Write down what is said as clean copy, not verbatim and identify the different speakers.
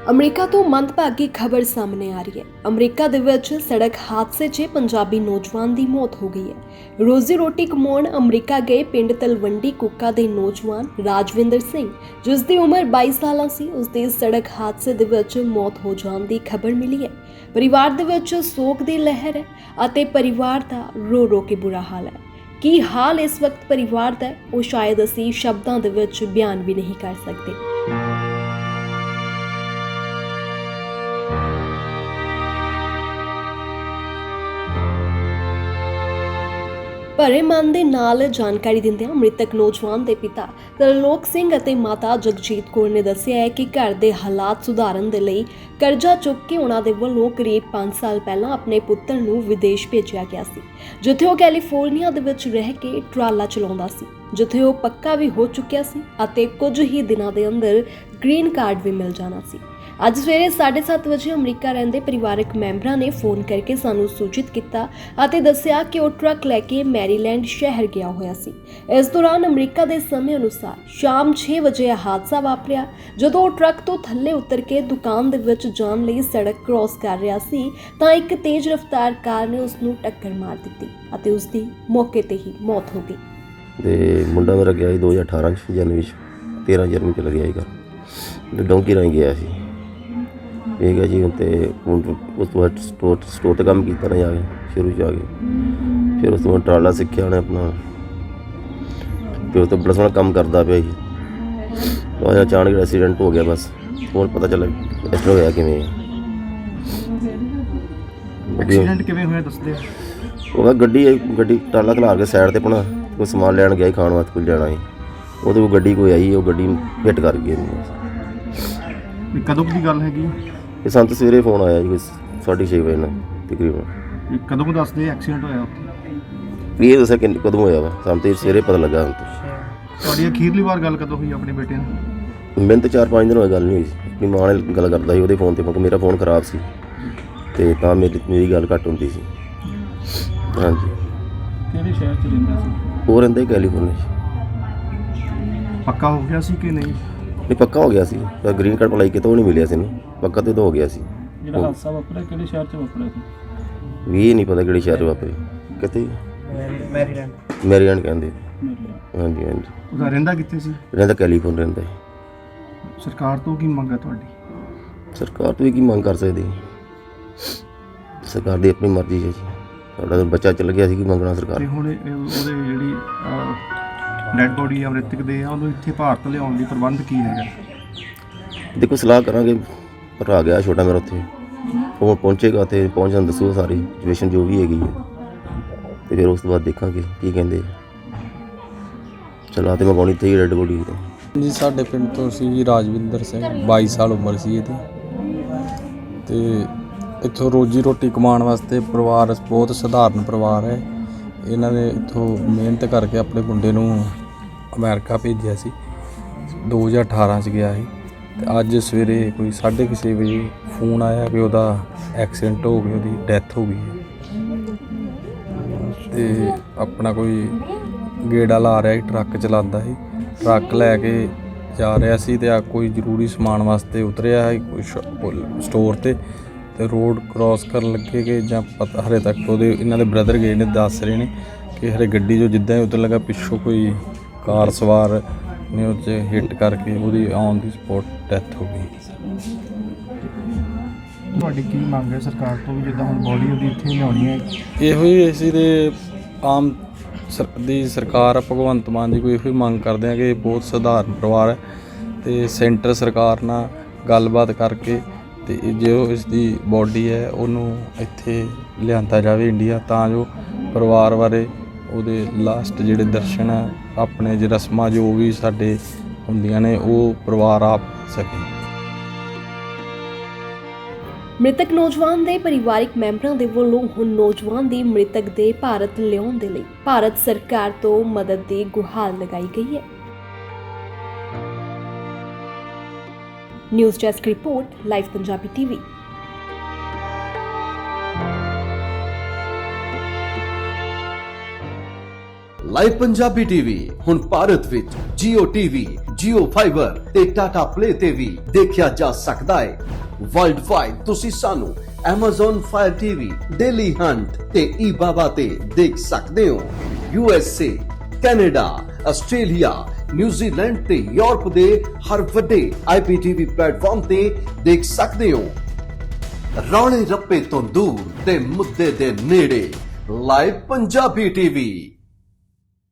Speaker 1: America ਤੋਂ ਮੰਦਭਾਗੀ ਖਬਰ ਸਾਹਮਣੇ ਆ ਰਹੀ ਹੈ। ਅਮਰੀਕਾ ਦੇ ਵਿੱਚ ਸੜਕ ਹਾਦਸੇ 'ਚ ਪੰਜਾਬੀ ਨੌਜਵਾਨ ਦੀ ਮੌਤ ਹੋ ਗਈ ਹੈ। ਰੋਜ਼ੀ ਰੋਟੀ ਕਮਾਉਣ ਅਮਰੀਕਾ ਗਏ ਪਿੰਡ ਤਲਵੰਡੀ ਕੁੱਕਾ ਦੇ ਨੌਜਵਾਨ ਰਾਜਵਿੰਦਰ ਸਿੰਘ, ਜਿਸ ਦੀ ਉਮਰ 22 ਸਾਲਾਂ ਸੀ, ਉਸ ਦੀ ਸੜਕ ਹਾਦਸੇ ਦੇ ਵਿੱਚ ਮੌਤ ਹੋ ਜਾਣ ਦੀ ਖਬਰ ਮਿਲੀ ਹੈ। ਪਰਿਵਾਰ ਦੇ ਵਿੱਚ ਸੋਗ ਦੀ ਲਹਿਰ ਹੈ ਅਤੇ ਪਰਿਵਾਰ ਦਾ ਰੋ ਰੋ ਕੇ ਬੁਰਾ ਹਾਲ ਹੈ। ਕੀ ਹਾਲ ਇਸ ਵਕਤ ਪਰਿਵਾਰ ਦਾ ਹੈ, ਉਹ ਸ਼ਾਇਦ ਅਸੀਂ ਸ਼ਬਦਾਂ ਦੇ ਵਿੱਚ ਬਿਆਨ ਵੀ ਨਹੀਂ ਕਰ ਸਕਦੇ। ਭਰੇ ਮਨ ਦੇ ਨਾਲ ਜਾਣਕਾਰੀ ਦਿੰਦਿਆਂ ਮ੍ਰਿਤਕ ਨੌਜਵਾਨ ਦੇ ਪਿਤਾ ਤਰਲੋਕ ਸਿੰਘ ਅਤੇ ਮਾਤਾ ਜਗਜੀਤ ਕੌਰ ਨੇ ਦੱਸਿਆ ਹੈ ਕਿ ਘਰ ਦੇ ਹਾਲਾਤ ਸੁਧਾਰਨ ਦੇ ਲਈ ਕਰਜ਼ਾ ਚੁੱਕ ਕੇ ਉਹਨਾਂ ਦੇ ਵੱਲੋਂ ਕਰੀਬ 5 ਸਾਲ ਪਹਿਲਾਂ ਆਪਣੇ ਪੁੱਤਰ ਨੂੰ ਵਿਦੇਸ਼ ਭੇਜਿਆ ਗਿਆ ਸੀ, ਜਿੱਥੇ ਉਹ ਕੈਲੀਫੋਰਨੀਆ ਦੇ ਵਿੱਚ ਰਹਿ ਕੇ ਟਰਾਲਾ ਚਲਾਉਂਦਾ ਸੀ, ਜਿੱਥੇ ਉਹ ਪੱਕਾ ਵੀ ਹੋ ਚੁੱਕਿਆ ਸੀ ਅਤੇ ਕੁਝ ਹੀ ਦਿਨਾਂ ਦੇ ਅੰਦਰ ਗ੍ਰੀਨ ਕਾਰਡ ਵੀ ਮਿਲ ਜਾਣਾ ਸੀ। ਅੱਜ ਸਵੇਰੇ 7:30 ਵਜੇ ਅਮਰੀਕਾ ਰਹਿੰਦੇ ਪਰਿਵਾਰਕ ਮੈਂਬਰਾਂ ਨੇ ਫੋਨ ਕਰਕੇ ਸਾਨੂੰ ਸੂਚਿਤ ਕੀਤਾ ਅਤੇ ਦੱਸਿਆ ਕਿ ਉਹ ਟਰੱਕ ਲੈ ਕੇ ਮੈਰੀਲੈਂਡ ਸ਼ਹਿਰ ਗਿਆ ਹੋਇਆ ਸੀ। ਇਸ ਦੌਰਾਨ ਅਮਰੀਕਾ ਦੇ ਸਮੇਂ ਅਨੁਸਾਰ ਸ਼ਾਮ 6 ਵਜੇ ਇਹ ਹਾਦਸਾ ਵਾਪਰਿਆ। ਜਦੋਂ ਉਹ ਟਰੱਕ ਤੋਂ ਥੱਲੇ ਉਤਰ ਕੇ ਦੁਕਾਨ ਦੇ ਵਿੱਚ ਜਾਣ ਲਈ ਸੜਕ ਕ੍ਰਾਸ ਕਰ ਰਿਹਾ ਸੀ ਤਾਂ ਇੱਕ ਤੇਜ਼ ਰਫ਼ਤਾਰ ਕਾਰ ਨੇ ਉਸ ਨੂੰ ਟੱਕਰ ਮਾਰ ਦਿੱਤੀ ਅਤੇ ਉਸ ਦੀ ਮੌਕੇ ਤੇ ਹੀ ਮੌਤ ਹੋ ਗਈ।
Speaker 2: ਤੇ ਮੁੰਡਾ ਮੇਰਾ ਗਿਆ ਸੀ 2018 ਜਨਵਰੀ 13 ਜਨਵਰੀ ਚ ਲੱਗਿਆ ਸੀਗਾ, ਡੋਂਕੀ ਰਾਹੀਂ ਗਿਆ ਸੀ। ਠੀਕ ਹੈ ਜੀ। ਅਤੇ ਉਸ ਤੋਂ ਬਾਅਦ ਸਟੋਰ 'ਤੇ ਕੰਮ ਕੀਤਾ ਨਾ ਜਾ ਕੇ ਸ਼ੁਰੂ 'ਚ ਆ ਕੇ, ਫਿਰ ਉਸ ਤੋਂ ਬਾਅਦ ਟਰਾਲਾ ਸਿੱਖਿਆ ਉਹਨੇ ਆਪਣਾ, ਫਿਰ ਉਸ ਤੋਂ ਬੜਾ ਸੋਹਣਾ ਕੰਮ ਕਰਦਾ ਪਿਆ ਜੀ। ਉਹ ਅਚਾਨਕ ਐਕਸੀਡੈਂਟ ਹੋ ਗਿਆ। ਬਸ ਹੁਣ ਪਤਾ ਚੱਲਿਆ ਐਕਸੀਡੈਂਟ ਹੋਇਆ ਕਿਵੇਂ।
Speaker 3: ਐਕਸੀਡੈਂਟ ਕਿਵੇਂ ਹੋਇਆ ਦੱਸਦੇ?
Speaker 2: ਉਹ ਗੱਡੀ ਟਰਾਲਾ ਖਿਲਾਰ ਕੇ ਸਾਈਡ 'ਤੇ ਆਪਣਾ ਕੋਈ ਸਮਾਨ ਲੈਣ ਗਿਆ ਸੀ, ਖਾਣ ਵਾਸਤੇ ਕੁਝ ਲੈਣਾ ਸੀ। ਉਹਦੇ ਕੋਲ ਗੱਡੀ ਕੋਈ ਆਈ, ਉਹ ਗੱਡੀ ਹਿੱਟ ਕਰ ਗਈ।
Speaker 3: ਕਦੋਂ ਦੀ ਗੱਲ ਹੈਗੀ?
Speaker 2: ਇਹ ਸਾਨੂੰ ਤਾਂ ਸਵੇਰੇ ਫੋਨ ਆਇਆ ਜੀ, ਕੋਈ 6:30 ਵਜੇ ਨਾਲ ਤਕਰੀਬਨ।
Speaker 3: ਕਦੋਂ ਕੁ ਦੱਸਦੇ ਐਕਸੀਡੈਂਟ ਹੋਇਆ ਉੱਥੇ?
Speaker 2: ਇਹ ਦੱਸਿਆ ਕਿ ਕਦੋਂ ਹੋਇਆ ਵਾ, ਸਾਨੂੰ ਤਾਂ ਸਵੇਰੇ ਪਤਾ ਲੱਗਾ। ਹੁਣ ਤਾਂ
Speaker 3: ਤੁਹਾਡੀ ਅਖੀਰਲੀ ਵਾਰ ਗੱਲ ਕਦੋਂ ਹੋਈ ਆਪਣੇ ਬੇਟੇ ਨਾਲ?
Speaker 2: ਮੈਨੂੰ ਤਾਂ 4-5 ਦਿਨ ਹੋਏ ਗੱਲ ਨਹੀਂ ਹੋਈ ਸੀ। ਆਪਣੀ ਮਾਂ ਨਾਲ ਗੱਲ ਕਰਦਾ ਸੀ ਉਹਦੇ ਫੋਨ 'ਤੇ, ਕਿਉਂਕਿ ਮੇਰਾ ਫੋਨ ਖਰਾਬ ਸੀ ਅਤੇ ਤਾਂ ਮੇਰੀ ਗੱਲ ਘੱਟ ਹੁੰਦੀ ਸੀ। ਹਾਂਜੀ।
Speaker 3: ਕਿਹੜੇ ਸ਼ਹਿਰ 'ਚ ਰਹਿੰਦਾ ਸੀ?
Speaker 2: ਉਹ ਰਹਿੰਦਾ ਹੀ ਕੈਲੀਫੋਰਨੀਆ 'ਚ।
Speaker 3: ਪੱਕਾ ਹੋ ਗਿਆ ਸੀ ਕਿ ਨਹੀਂ?
Speaker 2: ਨਹੀਂ, ਪੱਕਾ ਹੋ ਗਿਆ ਸੀ, ਪਰ ਗ੍ਰੀਨ ਕਾਰਡ ਅਪਲਾਈ ਕੀਤਾ ਉਹ ਨਹੀਂ ਮਿਲਿਆ ਸੀ ਇਹਨੂੰ। ਪੱਕਾ ਤਾਂ ਹੋ ਗਿਆ ਸੀ।
Speaker 3: ਜਿਹੜਾ ਹਾਦਸਾ ਵਾਪਰਿਆ ਕਿਹੜੇ ਸ਼ਹਿਰ 'ਚ ਵਾਪਰਿਆ ਸੀ?
Speaker 2: ਵੀ ਇਹ ਨਹੀਂ ਪਤਾ ਕਿਹੜੇ ਸ਼ਹਿਰ 'ਚ ਵਾਪਰੇ, ਕਿਤੇ ਮੈਰੀਲੈਂਡ ਕਹਿੰਦੇ। ਹਾਂਜੀ।
Speaker 3: ਉਹਦਾ ਰਹਿੰਦਾ ਕਿੱਥੇ ਸੀ?
Speaker 2: ਰਹਿੰਦਾ ਕੈਲੀਫੋਰਨੀਆ ਰਹਿੰਦਾ ਹੈ।
Speaker 3: ਸਰਕਾਰ ਤੋਂ ਕੀ ਮੰਗ ਹੈ ਤੁਹਾਡੀ?
Speaker 2: ਸਰਕਾਰ ਤੋਂ ਵੀ ਕੀ ਮੰਗ ਕਰ ਸਕਦੇ? ਸਰਕਾਰ ਦੀ ਆਪਣੀ ਮਰਜ਼ੀ ਹੈ ਜੀ। ਸਾਡਾ ਬੱਚਾ ਚੱਲ ਗਿਆ ਸੀ, ਕੀ ਮੰਗਣਾ ਸਰਕਾਰ।
Speaker 3: ਤੇ ਹੁਣ ਉਹਦੇ ਜਿਹੜੀ ਡੈਡ ਬੋਡੀ ਅਮ੍ਰਿਤਕ ਦੇ ਆ, ਉਹਨੂੰ ਇੱਥੇ ਭਾਰਤ ਲਿਆਉਣ ਲਈ ਪ੍ਰਬੰਧ ਕੀ ਹੈਗਾ?
Speaker 2: ਦੇਖੋ, ਸਲਾਹ ਕਰਾਂਗੇ। ਭਰਾ ਗਿਆ ਛੋਟਾ ਮੇਰਾ ਉੱਥੇ, ਉਹ ਪਹੁੰਚੇਗਾ ਅਤੇ ਪਹੁੰਚਣ ਦੱਸੂਗਾ ਸਾਰੀ ਸਿਚੁਏਸ਼ਨ ਜੋ ਵੀ ਹੈਗੀ ਹੈ, ਅਤੇ ਫਿਰ ਉਸ ਤੋਂ ਬਾਅਦ ਦੇਖਾਂਗੇ ਕੀ ਕਹਿੰਦੇ। ਚਲਾ ਤੇ ਮੰਗਾਉਣੀ ਤੇ ਡੈਡ ਬੋਡੀ
Speaker 4: ਜੀ ਸਾਡੇ ਪਿੰਡ ਤੋਂ ਸੀ ਜੀ ਰਾਜਵਿੰਦਰ ਸਿੰਘ, 22 ਸਾਲ ਉਮਰ ਸੀ ਇਹਦੀ। ਅਤੇ ਇੱਥੋਂ ਰੋਜੀ ਰੋਟੀ ਕਮਾਉਣ ਵਾਸਤੇ ਪਰਿਵਾਰ ਬਹੁਤ ਸਧਾਰਨ ਪਰਿਵਾਰ ਹੈ। ਇਹਨਾਂ ਨੇ ਇੱਥੋਂ ਮਿਹਨਤ ਕਰਕੇ ਆਪਣੇ ਮੁੰਡੇ ਨੂੰ ਅਮਰੀਕਾ ਭੇਜਿਆ ਸੀ। 2018 'ਚ ਗਿਆ ਸੀ ਅਤੇ ਅੱਜ ਸਵੇਰੇ ਕੋਈ 6:30 ਵਜੇ ਫੋਨ ਆਇਆ ਕਿ ਉਹਦਾ ਐਕਸੀਡੈਂਟ ਹੋ ਗਿਆ, ਉਹਦੀ ਡੈਥ ਹੋ ਗਈ ਹੈ। ਅਤੇ ਆਪਣਾ ਕੋਈ ਗੇੜਾ ਲਾ ਰਿਹਾ ਸੀ, ਟਰੱਕ ਚਲਾਉਂਦਾ ਸੀ, ਟਰੱਕ ਲੈ ਕੇ ਜਾ ਰਿਹਾ ਸੀ ਅਤੇ ਕੋਈ ਜ਼ਰੂਰੀ ਸਮਾਨ ਵਾਸਤੇ ਉਤਰਿਆ ਸੀ ਕੋਈ ਸਟੋਰ 'ਤੇ ਰੋਡ ਕ੍ਰਾਸ ਕਰਨ ਲੱਗੇ ਕਿ ਜਾਂ ਪਤਾ ਹਲੇ ਤੱਕ ਉਹਦੇ ਇਹਨਾਂ ਦੇ ਬ੍ਰਦਰ ਗਏ ਨੇ, ਦੱਸ ਰਹੇ ਨੇ ਕਿ ਹਰੇ ਗੱਡੀ 'ਚੋਂ ਜਿੱਦਾਂ ਹੀ ਉਤਰਨ ਲੱਗਾ ਪਿੱਛੋਂ ਕੋਈ ਕਾਰ ਸਵਾਰ ਨੇ ਉਹ 'ਚ ਹਿੱਟ ਕਰਕੇ ਉਹਦੀ ਔਨ ਦੀ ਸਪੋਟ ਡੈਥ ਹੋ ਗਈ।
Speaker 3: ਤੁਹਾਡੀ ਕੀ ਮੰਗ ਹੈ ਸਰਕਾਰ ਤੋਂ ਵੀ, ਜਿੱਦਾਂ ਹੁਣ ਬੋਡੀ ਉਹਦੀ ਇੱਥੇ ਲਿਆਉਣੀ ਹੈ?
Speaker 4: ਇਹੋ ਹੀ ਅਸੀਂ ਦੇ ਆਮ ਦੀ ਸਰਕਾਰ ਭਗਵੰਤ ਮਾਨ ਦੀ ਕੋਈ ਇਹੋ ਹੀ ਮੰਗ ਕਰਦੇ ਹਾਂ ਕਿ ਬਹੁਤ ਸਧਾਰਨ ਪਰਿਵਾਰ ਹੈ ਅਤੇ ਸੈਂਟਰ ਸਰਕਾਰ ਨਾਲ ਗੱਲਬਾਤ ਕਰਕੇ ਅਤੇ ਜੋ ਇਸ ਦੀ ਬੋਡੀ ਹੈ ਉਹਨੂੰ ਇੱਥੇ ਲਿਆਂਦਾ ਜਾਵੇ ਇੰਡੀਆ, ਤਾਂ ਜੋ ਪਰਿਵਾਰ ਬਾਰੇ ਉਹਦੇ ਲਾਸਟ ਜਿਹੜੇ ਦਰਸ਼ਨ ਹੈ ਆਪਣੇ ਜੇ ਰਸਮਾਂ ਜੋ ਵੀ ਸਾਡੇ ਹੁੰਦੀਆਂ ਨੇ ਉਹ ਪਰਿਵਾਰ ਆਪ ਸਕੇ।
Speaker 1: ਮ੍ਰਿਤਕ ਨੌਜਵਾਨ ਦੇ ਪਰਿਵਾਰਕ ਮੈਂਬਰਾਂ ਦੇ ਵੱਲੋਂ ਹੁਣ ਨੌਜਵਾਨ ਦੀ ਮ੍ਰਿਤਕ ਦੇ ਭਾਰਤ ਲਿਆਉਣ ਦੇ ਲਈ ਭਾਰਤ ਸਰਕਾਰ ਤੋਂ ਮਦਦ ਦੀ ਗੁਹਾਰ ਲਗਾਈ ਗਈ ਹੈ। News desk report, live Punjabi TV.
Speaker 5: Live Punjabi TV ਹੁਣ ਭਾਰਤ ਵਿੱਚ Jio TV, Jio Fiber ਤੇ Tata Play ਤੇ ਵੀ ਦੇਖਿਆ ਜਾ ਸਕਦਾ ਹੈ। ਵਰਲਡ ਵਾਈਡ ਤੁਸੀਂ ਸਾਨੂੰ Amazon Fire TV, Daily Hunt ਤੇ eBaba ਤੇ ਦੇਖ ਸਕਦੇ ਹੋ। USA, ਕੈਨੇਡਾ, ਆਸਟ੍ਰੇਲੀਆ, ਨਿਊਜ਼ੀਲੈਂਡ ਤੇ ਯੂਰਪ ਦੇ ਹਰ ਵੱਡੇ IPTV ਪਲੇਟਫਾਰਮ ਤੇ ਦੇਖ ਸਕਦੇ ਹੋ। ਰੌਲੇ ਰੱਪੇ ਤੋਂ ਦੂਰ ਤੇ ਮੁੱਦੇ ਦੇ ਨੇੜੇ ਲਾਈਵ ਪੰਜਾਬੀ TV।